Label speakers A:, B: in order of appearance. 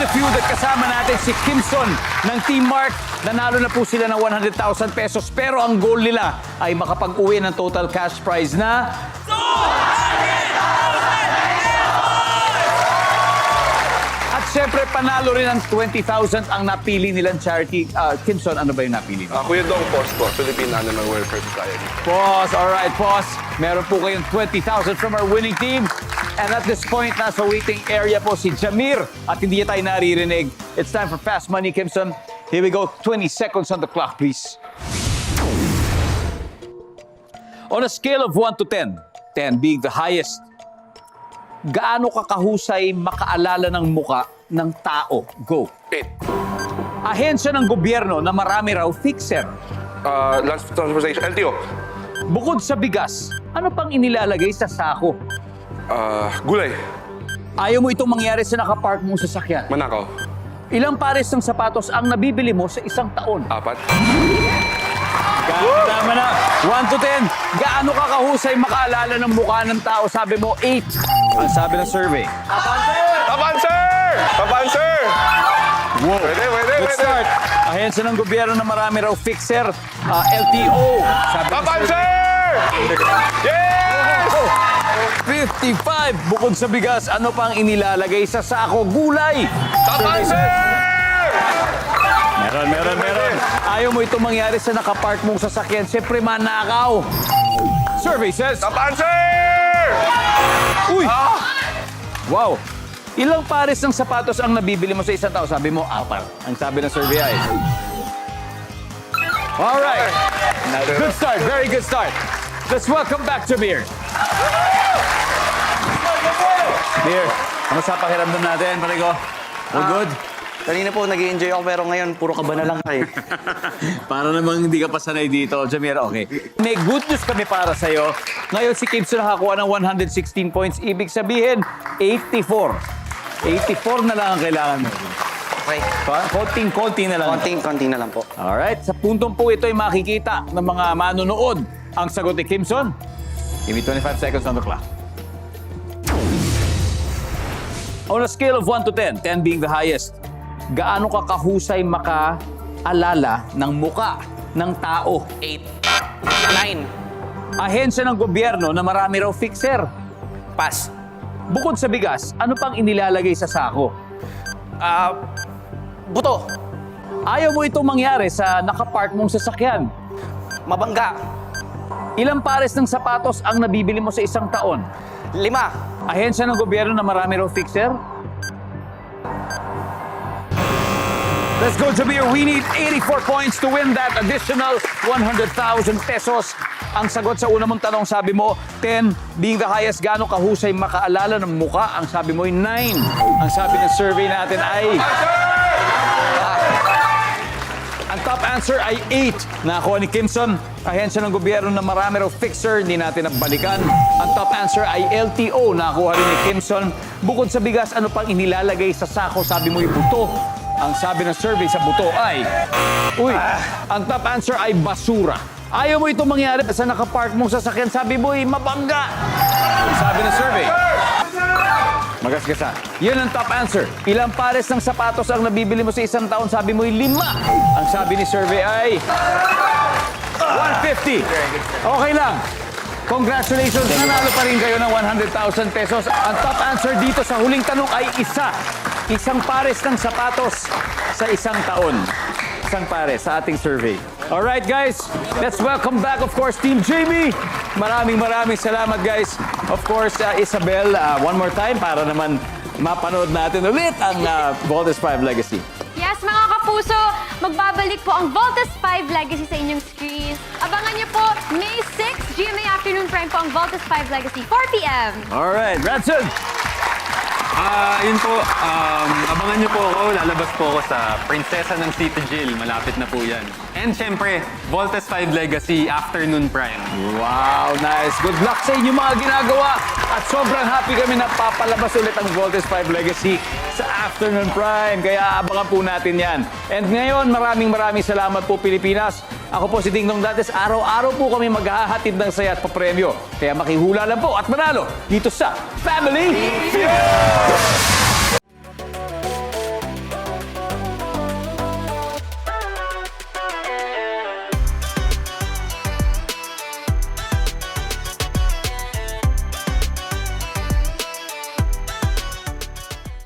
A: feud at kasama natin si Kimson ng Team Mark. Nanalo na po sila ng 100,000 pesos pero ang goal nila ay makapag-uwi ng total cash prize na... At syempre, panalo rin ng 20,000 ang napili nilang charity. Kimson, ano ba yung napili mo?
B: Kuya Dong Pos po, Philippine Animal Welfare Society.
A: Boss, alright, boss. Meron po kayong 20,000 from our winning team. And at this point, nasa waiting area po si Jamir. At hindi niya tayo naririnig. It's time for Fast Money, Kimson. Here we go. 20 seconds on the clock, please. On a scale of 1 to 10, 10 being the highest, gaano ka kahusay makaalala ng muka ng tao? Go.
B: 8.
A: Ahensya ng gobyerno na marami raw fixer.
B: Land Transportation, LTO.
A: Bukod sa bigas, ano pang inilalagay sa sako?
B: Gulay.
A: Ayaw mo itong mangyari sa nakapark mong sasakyan.
B: Manakaw.
A: Ilang pares ng sapatos ang nabibili mo sa isang taon?
B: 4.
A: Tama na. 1 to 10. Gaano ka kahusay makaalala ng mukha ng tao? Sabi mo, 8. Ang sabi ng survey.
B: Top answer! Top answer!
A: Wow.
B: Pwede.
A: Good start. Ahensya ng gobyerno na marami raw fixer. LTO. Sabi
B: Top
A: ng survey.
B: answer! Yes!
A: 55. Bukod sa bigas, ano pang inilalagay sa sako? Gulay.
B: Top answer!
A: Meron. Ayaw mo itong mangyari sa nakapark mong sasakyan. Siyempre, manakaw. Survey says...
B: Top answer!
A: Uy! Wow! Ilang pares ng sapatos ang nabibili mo sa isang tao? Sabi mo, 4. Ang sabi ng survey ay... Alright. Good start. Very good start. Let's welcome back to Beer. Beer, ano sa pakiramdam natin, parigo? All good?
C: Kanina po, nag-i-enjoy ako pero ngayon, puro kaba na lang kayo.
A: Para namang hindi ka pa sanay dito, Jamir, okay. May good news kami para sa'yo. Ngayon si Kimson nakakuha ng 116 points. Ibig sabihin, 84. 84 na lang ang kailangan mo.
C: Okay.
A: Konting-konti na lang.
C: Konting na lang po.
A: Alright, sa puntong po ito ay makikita ng mga manonood ang sagot ni Kimson. Give me 25 seconds on the clock. On a scale of 1 to 10, 10 being the highest, gaano ka kahusay makaalala ng muka ng tao?
C: 8. 9.
A: Ahensya ng gobyerno na marami raw fixer.
C: Pass.
A: Bukod sa bigas, ano pang inilalagay sa sako?
C: Buto.
A: Ayaw mo itong mangyari sa nakapark mong sasakyan.
C: Mabangga.
A: Ilang pares ng sapatos ang nabibili mo sa isang taon?
C: 5.
A: Ahensya ng gobyerno na marami raw fixer? Let's go, Jamir. We need 84 points to win that additional 100,000 pesos. Ang sagot sa una mong tanong, sabi mo, 10 being the highest. Gaano kahusay makaalala ng muka? Ang sabi mo ay 9. Ang sabi ng survey natin ay... Ang top answer ay 8. Nakakuha ni Kimson. Ahensya ng gobyerno na marami raw fixer. Hindi natin nabalikan. Ang top answer ay LTO. Nakakuha rin ni Kimson. Bukod sa bigas, ano pang inilalagay sa sako? Sabi mo yung buto. Ang sabi ng survey sa buto ay... Uy, ang top answer ay basura. Ayaw mo ito mangyari sa nakapark mong sasakyan. Sabi mo ay mabangga. Ang sabi ng survey. Magasgasa. Yun ang top answer. Ilang pares ng sapatos ang nabibili mo sa isang taon? Sabi mo ay 5. Ang sabi ni survey ay... 150. Okay lang. Congratulations. Nanalo pa rin kayo ng 100,000 pesos. Ang top answer dito sa huling tanong ay 1. Isang pares ng sapatos sa isang taon. Isang pares sa ating survey. Alright guys, let's welcome back of course Team Jamie. Maraming salamat guys. Of course, Isabel, one more time para naman mapanood natin ulit ang Voltes 5 Legacy.
D: Yes, mga kapuso, magbabalik po ang Voltes 5 Legacy sa inyong screens. Abangan niyo po, May 6, GMA Afternoon Prime po ang Voltes 5 Legacy, 4 p.m.
A: Alright, Ranson!
E: Yun po, abangan niyo po ako. Lalabas po ako sa Prinsesa ng City Jill. Malapit na po yan. And syempre, Voltes 5 Legacy, Afternoon Prime.
A: Wow, nice. Good luck sa inyo mga ginagawa. At sobrang happy kami na papalabas ulit ang Voltes 5 Legacy sa Afternoon Prime. Kaya abangan po natin yan. And ngayon, maraming salamat po Pilipinas. Ako po si Ding Dong Dantes. Araw-araw po kami maghahatid ng saya at papremyo. Kaya makihula lang po at manalo dito sa Family Feud!